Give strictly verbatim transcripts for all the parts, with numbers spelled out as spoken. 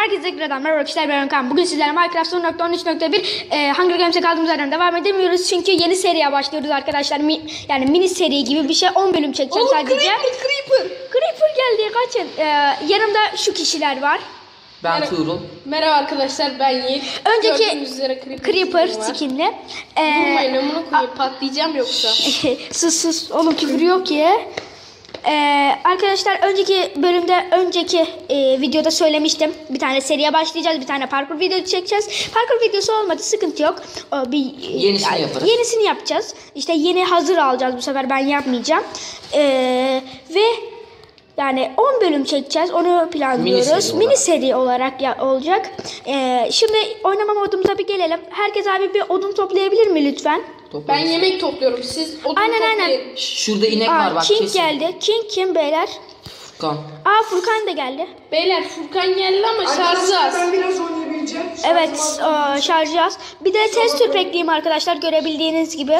Herkese tekrardan merhaba arkadaşlar, ben Okan. Bugün sizlerle Minecraft son nokta on üç nokta bir e, Hunger Games'e kaldığımız yerden devam edemiyoruz. Çünkü yeni seriye başlıyoruz arkadaşlar. Mi, yani mini seri gibi bir şey. on bölüm çekeceğim Oğlum, sadece. Creeper, Creeper. Creeper geldi, kaçın. E, yanımda şu kişiler var. Ben Merhaba. Tuğrul. Merhaba arkadaşlar, ben Yiğit. Önceki Gördüğünüz üzere Creeper, Creeper skin'i var. skinli. Vurmayın, E, amına koyayım, patlayacağım yoksa. sus sus oğlum, küfür yok ki. Ee, arkadaşlar önceki bölümde önceki e, videoda söylemiştim, bir tane seriye başlayacağız, bir tane parkur videosu çekeceğiz. Parkur videosu olmadı, sıkıntı yok. O, bir Yenisini yani, yaparız. Yenisini yapacağız. İşte yeni hazır alacağız, bu sefer ben yapmayacağım. Ee, ve yani on bölüm çekeceğiz, onu planlıyoruz. Mini seri Mini seri olarak ya, olacak. Ee, şimdi oynama modumuza bir gelelim. Herkes abi bir odun toplayabilir mi lütfen? Ben Toplarız. yemek topluyorum, siz odun Aynen, toplayın. aynen. Şurada inek Aa, var bak King kesin. geldi. King kim beyler? Furkan. Aa, Furkan da geldi. Beyler, Furkan geldi ama şarjı az. Ben biraz oynayabileceğim. Evet, o, şarjı az. Bir de test tüp ekleyeyim arkadaşlar, görebildiğiniz gibi.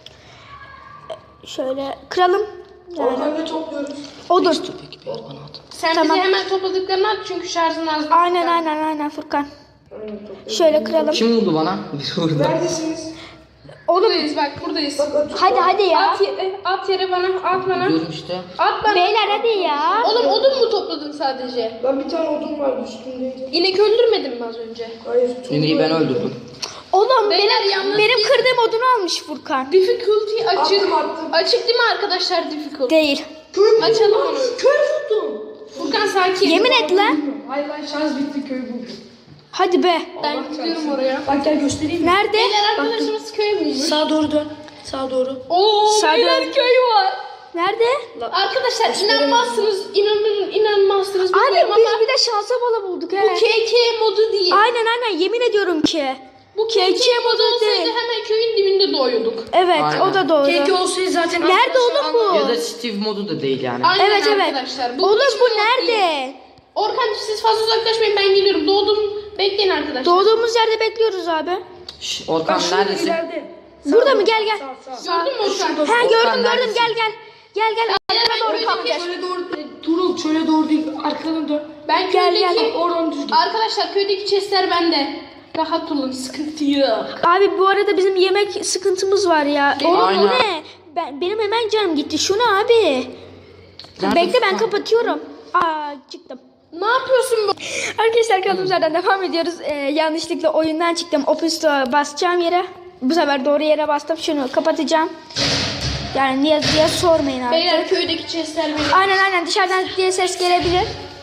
Şöyle kıralım. Yani. Orada topluyoruz. Odun. Peki bir bana at. Sen Tamam. bize hemen topladıklarını at çünkü şarjın az. Aynen aynen aynen Furkan. Şöyle kıralım. Kim vurdu bana? Bir vurdu. Neredesiniz? Oğlum Buradayız, bak buradayız. Bak atıyorum. hadi hadi ya. At, ye- at yere bana, at bana. Diyorum işte. At bana. Beyler hadi ya. Oğlum, odun mu topladın sadece? Lan bir tane odun vardı üstündeydi. İnek öldürmedin mi az önce? Hayır. İneği ben öldürdüm. Oğlum Beyler, benim, yalnız benim biz- kırdığım odunu almış Furkan. Difficulty açık. Attım, attım. Açık değil mi arkadaşlar, difficulty? Değil. Köy Açalım buldum. onu. Köy buldum. Furkan sakin. Yemin et lan. Hayır lan şans bitti, köy buldum. Hadi be. Ben gidiyorum oraya. Bak gel göstereyim mi? Nerede? Beyler, arkadaşımız köy bulmuş. Sağa doğru dön. Sağa doğru. Oo, Sağ beyler dön. köyü var. Nerede? Arkadaşlar inanmazsınız, inanın inanmazsınız Abi bilmiyorum biz ama bir de şansa bala bulduk he. bu K K modu değil. Aynen aynen, yemin ediyorum ki. Bu K K K K modu modu olsaydı değil. hemen köyün dibinde doğuyorduk. Evet, Aynen. o da doğru. Keke olsaydı zaten. Nerede oğlum bu? Ya da Steve modu da değil yani. Aynen Evet evet. arkadaşlar. Oğlum hiç bu mod değil. nerede? Orkan, siz fazla uzaklaşmayın, ben geliyorum. Doğdum, bekleyin arkadaşlar. Doğduğumuz yerde bekliyoruz abi. Şş, Orkan Bak şurada neredesin? ileride. Burada mı? Gel gel. Sağ sağ. Gördün mü Orkan? Ha, Volkan gördüm gördüm, neredesin? gel gel. Gel gel, Beyler, arkana ben doğru köydeki- kalkacağız. Şöyle doğru. e, Turul şöyle doğru değil. Arkana dön. Ben Gel, köydeki... gel. Oradan düz git. Arkadaşlar, köydeki chestler bende. Rahat olun, sıkıntı yok. Abi bu arada bizim yemek sıkıntımız var ya. Benim- Oğlum bu Aynen. ne? Ben, benim hemen canım gitti. Şu ne abi? Nerede Bekle, ben Furkan? kapatıyorum. Aa, çıktım. Ne yapıyorsun bu? Arkadaşlar kaldığımız yerden devam ediyoruz. Ee, yanlışlıkla oyundan çıktım. Open Store'a basacağım yere. Bu sefer doğru yere bastım. Şunu kapatacağım. Yani niye diye sormayın artık. Beyler, köydeki chestler benim. Aynen aynen, dışarıdan diye ses gelebilir.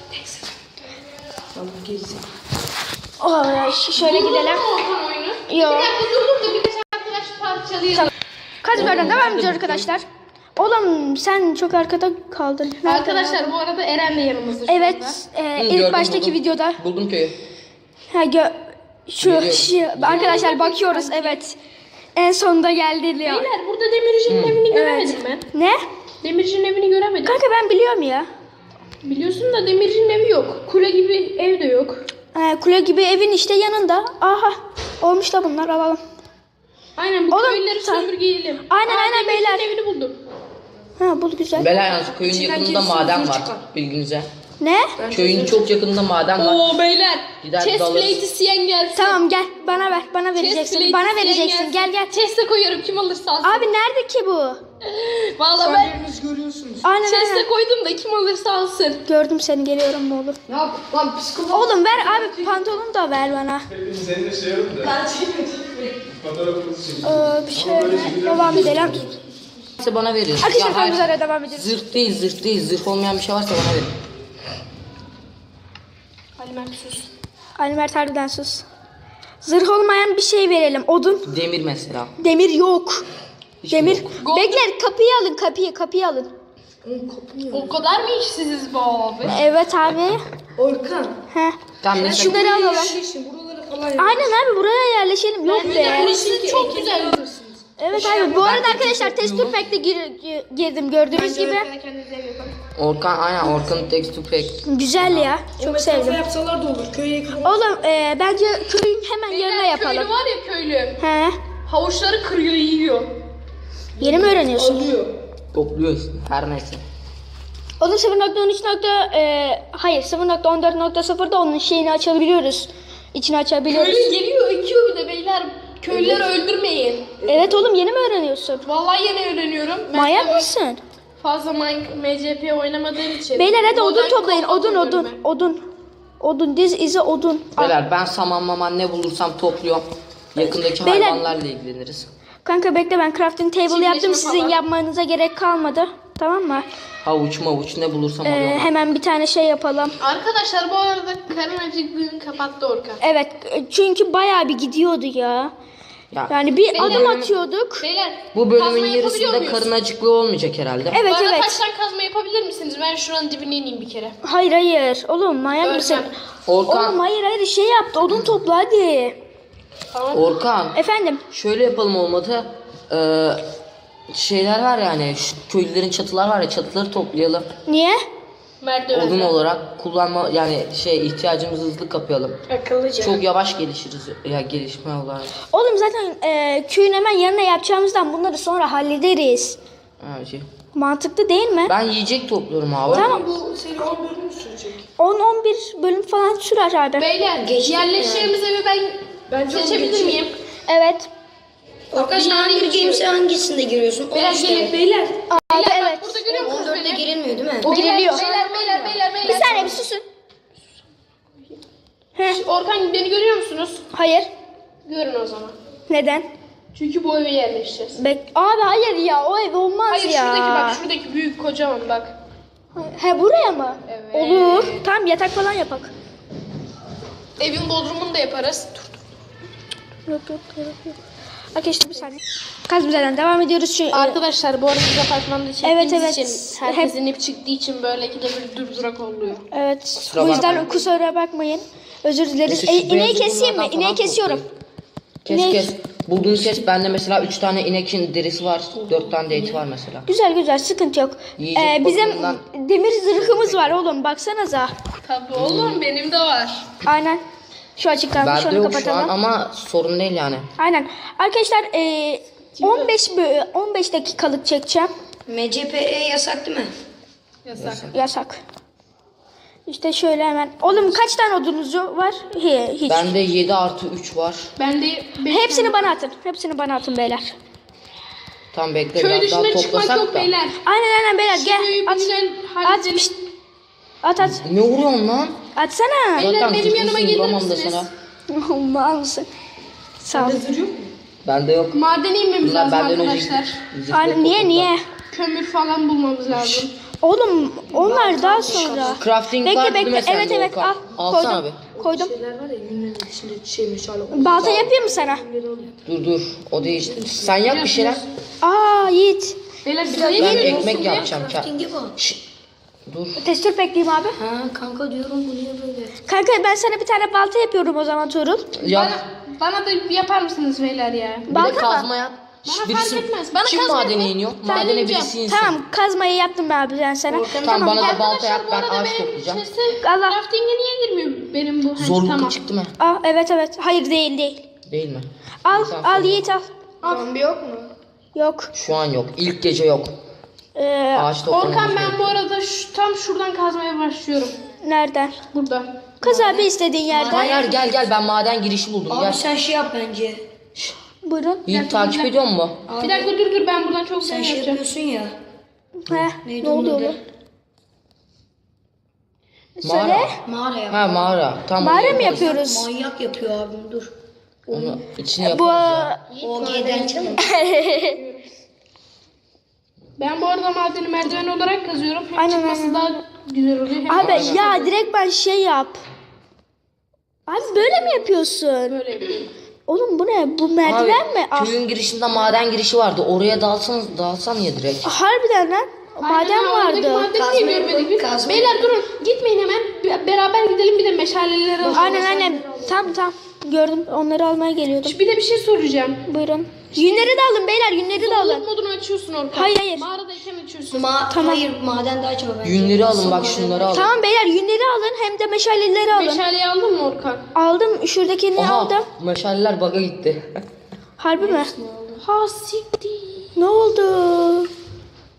Tamam gezsin. Oh, ş- şöyle Durdurdun gidelim. mu Orkan oyunu? Yok. Bir dakika durdur da birkaç arkadaş parçalayalım. Kaldığımız yerden devam ediyoruz arkadaşlar. Oğlum sen çok arkada kaldın. Nerede ya? Arkadaşlar, bu arada Eren de yanımızda şu anda. Evet, e, Hı, ilk gördüm, baştaki buldum. videoda. Buldum köyü. Ha, gö şu, Geliyorum. şu arkadaşlar bakıyoruz, evet. En sonunda geldi diyor. Beyler, burada Demirci'nin evini göremedim ben. Ne? Demirci'nin evini göremedim. Kanka ben biliyorum ya. Biliyorsun da Demirci'nin evi yok. Kule gibi ev de yok. Ee, kule gibi evin işte yanında. Aha, olmuş da bunlar, alalım. Aynen, bu Oğlum, köyleri sen- sömürgeyelim. Aynen, Aa, aynen Demirci'nin beyler. evini buldum. Ha, bu güzel. Bela yalnız köyün İçinden yakınında kesin maden zırh var. çıkar. Bilginize. Ne? Köyün çok yakınında maden var. Oo beyler. Gider Chest dalırız. plate isteyen gelsin. Tamam gel, bana ver, bana Chest vereceksin. plate Bana isteyen vereceksin, gelsin. gel gel. Chest'e koyuyorum, kim alırsa alsın. Abi nerede ki bu? Vallahi Şu ben an yeriniz görüyorsunuz. Aynen chest'e aynen. koydum da kim alırsa alsın. Gördüm seni, geliyorum ne olur. Ne yap? Lan psikolog. Oğlum ver abi, pantolonu da ver bana. Senin de şey yok da. Fotoğrafınızı çekin. Ee, bir şöyle devam edelim. İşte bana verin. Arkadaşlar Ya hayır, kaldığımız yerden devam ediyoruz. zırh değil zırh değil. Zırh olmayan bir şey varsa bana verin. Ali Mert sus. Ali Mert harbiden sus. Zırh olmayan bir şey verelim. Odun. Demir mesela. Demir yok. Hiç Demir. yok. Gold- Bekler, kapıyı alın, kapıyı, kapıyı alın. O kadar mı işsiziz bu abi? Evet abi. Orkan. He. Tamam mesela. Şunları alalım. Yerleşin, buralara falan yerleşin. Aynen abi, buraya yerleşelim. Yok be. Burası çok güzel. Evet abi. Bu arada arkadaşlar test pack'te gir, gi- girdim gördüğünüz gibi. Kendinize ev yapın. Orkan aynen Orkan'ın texture pack. Güzel ya. Çok Mesafe sevdim. yapsalar da olur. Köye yakın. Oğlum e, bence köyün hemen yanına Beyler, yapalım. köylü var ya, köylü. He. Havuçları kırıyor, yiyor. Yeni mi öğreniyorsun? Alıyor. Topluyor işte her neyse. Onun sıfır nokta on üç. E, hayır sıfır nokta on dört nokta sıfırda onun şeyini açabiliyoruz. İçini açabiliyoruz. Köylü geliyor ekiyor bir de beyler. Köylüleri öldürmeyin. Evet oğlum yeni mi öğreniyorsun? Vallahi yeni öğreniyorum. Ben Manyak de mısın? Fazla M C P oynamadığım için. Beyler hadi odun Modern toplayın. Combat Odun oynuyorum odun. Odun. Odun diz izi odun. Al. Beyler ben saman maman ne bulursam topluyorum. Yakındaki Beyler- hayvanlarla ilgileniriz. Kanka bekle ben crafting table Çiftleşme yaptım. Sizin falan. yapmanıza gerek kalmadı. Tamam mı? Havuç mavuç ne bulursam Ee, alıyorum. hemen bir tane şey yapalım. ben. Arkadaşlar bu arada karın acıklığını kapattı Orkan. Evet çünkü bayağı bir gidiyordu ya. Ya, Yani bir Beyler- adım atıyorduk. Beyler bu bölümün kazma yapabiliyor yarısında muyuz? karın acıklığı olmayacak herhalde. Evet Bu arada evet. taştan kazma yapabilir misiniz? Ben şuranın dibine ineyim bir kere. Hayır hayır. Oğlum manyak Öğretmen. mısın? Orkan, Oğlum hayır hayır şey yaptı. Odun topla hadi. Tamam. Orkan. Efendim. Şöyle yapalım olmadı. Ee, şeyler var yani şu köylülerin çatılar var ya çatıları toplayalım. Niye? Merdiven. Odun olarak kullanma yani şey ihtiyacımızı hızlı kapayalım. Akıllıca. Çok yavaş gelişiriz ya gelişme olarak. Oğlum zaten e, köyün hemen yanına yapacağımızdan bunları sonra hallederiz. Ha, şey. Mantıklı değil mi? Ben yiyecek topluyorum abi. Tamam. Bu seri on bölüm mü sürecek? on on bir bölüm falan sürer abi. Beyler yerleşeceğimiz evi ben, Ben çok seçebilir geçeyim. miyim? Evet. Arkadaşlar Yani Hunger geçiyorum. Games'e hangisinde giriyorsun? Beyler on üçte. gelin. Beyler. Abi Beyler evet. bak burada görüyor musunuz on dörtte beni? girilmiyor değil mi? Beyler, Giriliyor. Beyler beyler beyler beyler. Bir saniye bir susun. Heh, Orkan beni görüyor musunuz? hayır. Görün o zaman. Neden? Çünkü bu eve yerleşeceğiz. Bek abi hayır ya o ev olmaz Hayır ya. şuradaki bak şuradaki büyük kocaman bak. He buraya mı? Evet. Olur. Tamam yatak falan yapak. Evin bodrumunu da yaparız. Yok yok yok yok. Arkadaşlar bir saniye. Kazmizeden devam ediyoruz şu. Arkadaşlar bu arada biz apartmanda çektiğimiz Evet, evet. için herkesin hep çıktığı için böyle ikide bir durdurak oluyor. Evet. Kusura Bu yüzden bakmayın. kusura bakmayın. Özür dileriz. Neyse, E, şu ineği beyazı keseyim mi? bunlardan İneği falan kesiyorum. Kes İnek. kes. Bulduğun kes. Bende mesela üç tane inekin derisi var. dört tane de eti var mesela. Güzel güzel sıkıntı yok. Yiyecek Ee, bizim bakımından- demir zırhımız var oğlum baksanıza. Tabii oğlum benim de var. Aynen. Şu açıktan Bende şunu yok şu kapatalım. an ama sorun değil yani. Aynen. Arkadaşlar e, on beş bö- on beş dakikalık çekeceğim. M C P E yasak değil mi? Yasak. Yasak. İşte şöyle hemen. Oğlum kaç tane odunuz var? He, hiç. Bende yedi artı üç var. Ben de beş Hepsini bana atın. Hepsini bana atın beyler. Tam bekle köy biraz daha dışına çıkmak toplasak yok da. beyler. Aynen aynen beyler Şu köyü gel. bir At. güzel At. halledelim. Pişt. At at. Ne vuruyorsun lan? Atsana. Beyler, Zaten benim yanıma zırhlısın, gelir vuramam da misiniz? sana. Mal mısın? Sağ ol. Zırh yok mu? Bende yok. Madene inmemiz Bunlar lazım benden önce arkadaşlar. zırhlı Aynen niye topladılar. niye? Kömür falan bulmamız lazım. Oğlum onlar daha sonra. Crafting Bekle var değil mi bekle. sende Evet evet Volkan? al. Alsana Koydum. abi. Koydum. Şeyler var ya yünlerin içinde şey meşale. Balta yapayım mı sana? Dur dur. O değil. Sen yap bir şeyler. Aa Yiğit. Beyler bir Ben de ekmek yapacağım. Ka- Crafting'i bu. Şşş. Dur. Testür bekleyeyim abi. Ha kanka diyorum bu niye böyle? Kanka ben sana bir tane balta yapıyorum o zaman Tuğrul. Yap. Bana, bana da yapar mısınız beyler ya? Bir de Balta mı? kazma yap. Bana Şşş, fark birisi, etmez. Bana kim kazma madene yapın. iniyor? Ben Madene ineceğim. birisi insin. Tamam kazmayı yaptım ben abi ben sana. Tamam, bana gel. da balta yap. Arkadaşlar bu Ben arada ağaç benim toplayacağım. sesi Allah. crafting'e niye girmiyor benim bu? Hani Zorluklu tamam. çıktı mı? Aa evet evet. Hayır değil değil. Değil mi? Al Sen al söyle. Yiğit al. Zombi yok mu? Yok. Şu an yok. İlk gece yok. Ee, Ağaç toplamamız Orkan ben gerekiyor. bu arada şu, tam şuradan kazmaya başlıyorum. nereden? Burada. Kaz abi istediğin yerden. Hayır gel gel ben maden girişi buldum. Abi Gel. sen şey yap bence. Buyurun. Yiğit takip ediyor mu? Bir dakika dur dur ben buradan çok Sen güzel şey yapacağım. yapıyorsun ya. He, Neydi ne onun oluyor adı? lan? Söyle. Mağara. Mağara yap. Ha mağara. Tamam. Mağara onu mı yaparız. yapıyoruz? Manyak yapıyor abim dur. Onu içine Bu yaparız ya. O G'den çıkın. Ben bu arada madeni merdiven olarak kazıyorum. Hem Aynen, çıkması aynen. daha güzel oluyor. Hem abi ya direkt ben şey yap. Abi böyle mi yapıyorsun? böyle yapıyorum. Oğlum bu ne? Bu merdiven mi? Ah, Köyün girişinde maden girişi vardı. Oraya dalsan dalsan ya direkt. harbiden lan. Maden Aynen, oradaki vardı. madeni Kazma niye görmedik biz? kazma Beyler durun gitmeyin hemen. Be- Beraber gidelim bir de meşaleleri alalım. Aynen aynen. Tamam tamam. Gördüm. Onları almaya geliyordum. Bir de bir şey soracağım. Buyurun. Yünleri de alın beyler. Yünleri de alın. Zorluk modunu açıyorsun Orkan. Hayır, hayır. Mağaradayken açıyorsun. Ma Tamam. Hayır maden daha çok bence. Yünleri alın bak Maden- şunları alın. Tamam beyler yünleri alın. Hem de meşaleleri alın. Meşaleyi aldın mı Orkan? Aldım. Şuradakini Oha aldım. meşaleler baga gitti. Harbi mi? Ha siktir. Ne oldu?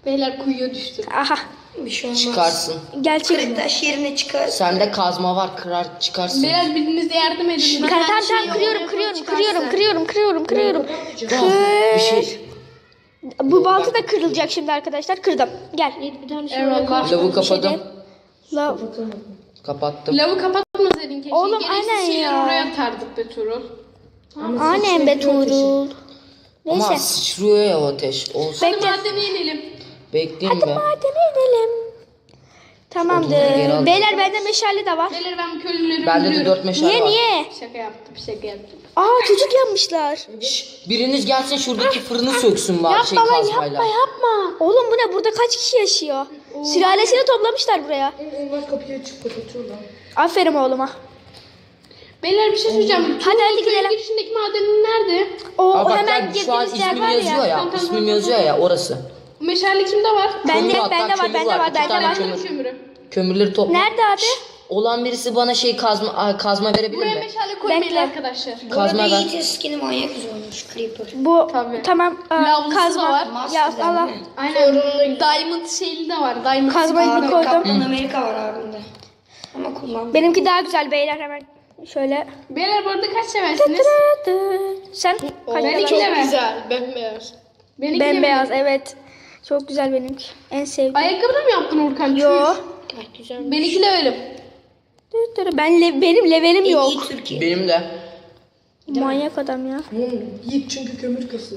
Beyler kuyuya düştü. Aha. Bir şey olmaz. Çıkarsın. Gerçek Kırık mi? taş yerine çıkar. Sende kazma var, kırar çıkarsın. Beyler biriniz de yardım edin. Ben Tamam her tamam şeyi tamam kırıyorum oraya kırıyorum çıkarsa. kırıyorum kırıyorum kırıyorum kırıyorum. Ah, bir şey. Bu balta da kırılacak şimdi arkadaşlar. Kırdım. Gel. Bir tane şey Eyvallah. Lavı kapadım. La. Kapattım. Lavı kapatmasaydın keşke. Oğlum, Gereksiz aynen şeyleri ya. oraya atardık be Tuğrul. Aynen be Tuğrul. Ama Neyse. sıçrıyor ya o ateş. Olsun. Hadi madene inelim. Bekleyeyim be. Madene inelim. Tamamdır. Odunları geri al. Beyler bende meşale de var. Beyler ben köylüleri Bende de öldürüyorum. dört meşale Niye var. niye? Şaka yaptım şaka yaptım. Aa çocuk yapmışlar. Şşş, biriniz gelsin şuradaki fırını söksün bari şey Yapma lan kazmayla. yapma yapma. Oğlum bu ne? Burada kaç kişi yaşıyor? Sülalesini toplamışlar buraya. Elmas kapıyı açıp kapatıyorlar. Aferin oğluma. Beyler bir şey söyleyeceğim. Hadi hadi Köyün gidelim. girişindeki madenin nerede? O, Aa, o bak hemen gel, şu an girdiğimiz yer ismim var yazıyor ya. ya. Tamam, tamam, İsmim tamam, yazıyor ya orası. Meşale kimde var? Bende Kömür, bende hatta var kömür bende var İki bende tane var. kömür. Kömürü. Kömürleri topla. Nerede abi? Olan birisi bana şey kazma aa, kazma verebilir Buraya mi? meşale koymayın Bekle. arkadaşlar. Bu arada Kazma ver. Yiğit'in skin'i manyak güzel olmuş. Creeper. Bu Tabii. tamam. aa, Lavlusu kazma. da var. Ya Master'dan Allah. değil mi? Aynen. Diamond şeyli de var. Diamond Kazmayı skin. bir Abi koydum. Kaptan Amerika var abimde. Ama kullan. Benimki daha güzel beyler hemen. Şöyle. Beyler bu arada kaç seversiniz? Sen kaç Benimki seversin? de ver. Güzel, bembeyaz. Benimki de Bembeyaz ver. evet. Çok güzel benimki. En sevdiğim. Ayakkabı da mı yaptın Urkan? Yo. Çüş. Benimki levelim. Ben le- benim levelim yok. İyi Türkiye. Benim de. Manyak adam ya. Oğlum Yiğit çünkü kömür kasıyor.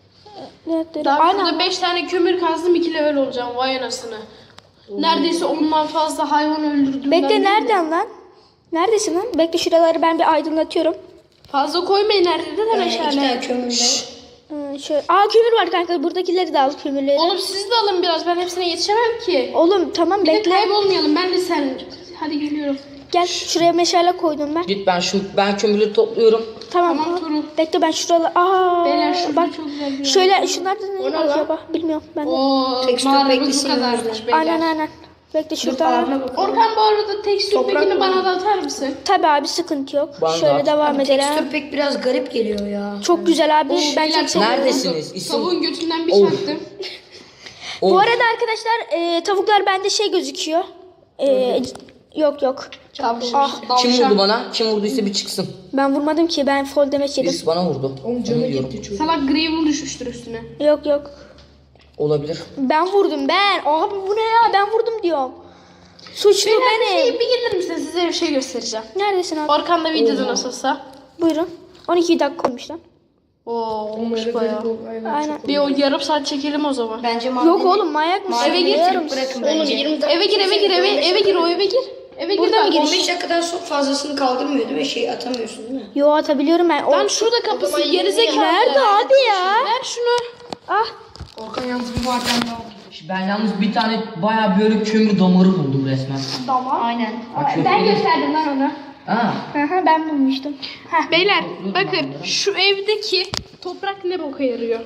Daha Aynen. burada beş tane kömür kazdım iki level olacağım. Vay anasını. Neredeyse ondan fazla hayvan öldürdüm. Bekle ben. nereden lan? Neredesin lan? Bekle şuraları ben bir aydınlatıyorum. Fazla koymayın nerede de Ee, iki meşale. tane kömürle. Ee, şöyle. Aa kömür var kanka. Buradakileri de al kömürleri. Oğlum siz de alın biraz. Ben hepsine yetişemem ki. Oğlum tamam Bir de bekle. kaybolmayalım. Ben de sen. Hadi geliyorum. Gel şuraya meşale koydum ben. Git ben şu ben kömürleri topluyorum. Tamam. Tamam, Tuğrul. Bekle ben şuraları. Aa. Beyler şurada bak. çok güzel bir yer. Şöyle şunlardan ne O ne lan? acaba? Bilmiyorum ben de. Oo, Tekstür mağaramız bu beklesin kadarmış yüzden. beyler. Aynen aynen. Bekle şurada. Ağrına bak. Orkan bu arada tekstür Toprak pekini mı? bana da atar mısın? Tabii abi sıkıntı yok. Bana da Şöyle at. devam edelim. Tekstür pek biraz garip geliyor ya. Çok güzel abi. Ben Beyler, çok seviyorum. Neredesiniz? İsim. Tavuğun götünden bir Of. çaktım. Of. Bu arada arkadaşlar e, tavuklar bende şey gözüküyor. E, yok yok. Tavşan. Ah, Kim vurdu bana? Kim vurduysa bir çıksın. ben vurmadım ki ben fall damage yedim. Birisi bana vurdu. Oğlum Onu canı diyorum. gitti çocuk. Salak Gravel düşmüştür üstüne. Yok yok. Olabilir. Ben vurdum ben. Abi bu ne ya ben vurdum diyorum. Suçlu Beyler bir benim. şey bir gelir misiniz? Size bir şey göstereceğim. Neredesin abi? Orkan da videoda nasılsa. Buyurun. on iki dakika olmuş lan. Oo, Oğlum olmuş öyle bayağı. garip oldu. Aynen. Aynen. Bir o yarım saat çekelim o zaman. Bence madeni... Yok oğlum manyak mısın? Madeni Eve gir, getirip bırakın bence. Eve gir eve gir eve eve gir o eve gir. Eve gir. Burada bak. mı giriş? on beş dakikadan çok fazlasını kaldırmıyor değil mi? Şey atamıyorsun değil mi? Yo atabiliyorum ben. O... Lan şurada kapısı gerizekalı. Nerede abi ya? Ver şunu. Ah. Orkan yalnız bir maden daha oldu. Ben yalnız bir tane bayağı böyle kömür damarı buldum resmen. Tamam. Aynen. Ben gösterdim lan onu. Ha. Hı hı, ben bulmuştum. Beyler bakın şu evdeki toprak ne boka yarıyor?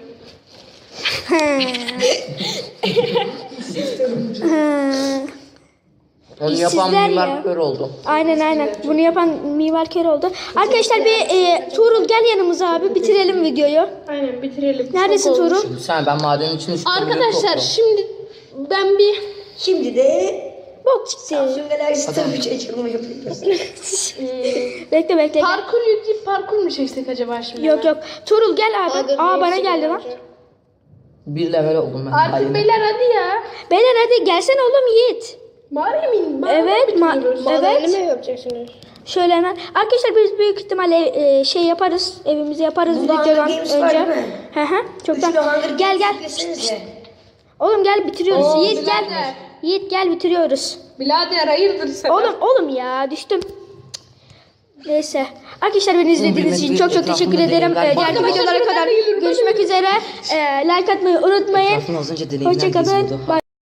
Onu yapan İşsizler mimar ya. kör oldu. Aynen aynen. Bunu yapan mimar kör oldu. Arkadaşlar bir e, Tuğrul gel yanımıza abi. Bitirelim videoyu. Aynen bitirelim. Neredesin Çok olmuş. Tuğrul? Şimdi sen ben madenin içinde şu kömürleri Arkadaşlar topluyorum. şimdi ben bir Şimdi de... Bok çıktı. Samsun Galaxy tabii çekilme yapıyoruz. Bekle bekle. gel. parkur yükleyip parkur mu çeksek acaba şimdi? Yok yok. Tuğrul gel abi. Aa bana geldi lan. Bir level oldum ben. Artık Hayır. beyler hadi ya. Beyler hadi gelsene oğlum Yiğit. Mağaraya mı in? Mağaraya Evet, mı ma- bitiriyoruz? evet. mi yapacaksınız? Şöyle hemen. Arkadaşlar biz büyük ihtimalle e, şey yaparız. Evimizi yaparız Burada videodan Hunger Games var önce. değil mi? Hı hı. Çoktan. Üçlü Hunger Gel gel. Desenize. Oğlum gel bitiriyoruz. Oo, Yiğit gel. birader. Yiğit gel bitiriyoruz. Birader hayırdır sen? Oğlum oğlum ya düştüm. Neyse. Arkadaşlar beni izlediğiniz için çok çok teşekkür Etrafında ederim. deneyimler Ee, var. Diğer videolara kadar görüşmek üzere. Ee, like atmayı unutmayın. Etrafını az önce deneyimler Hoşçakalın. geziyordu. Bye.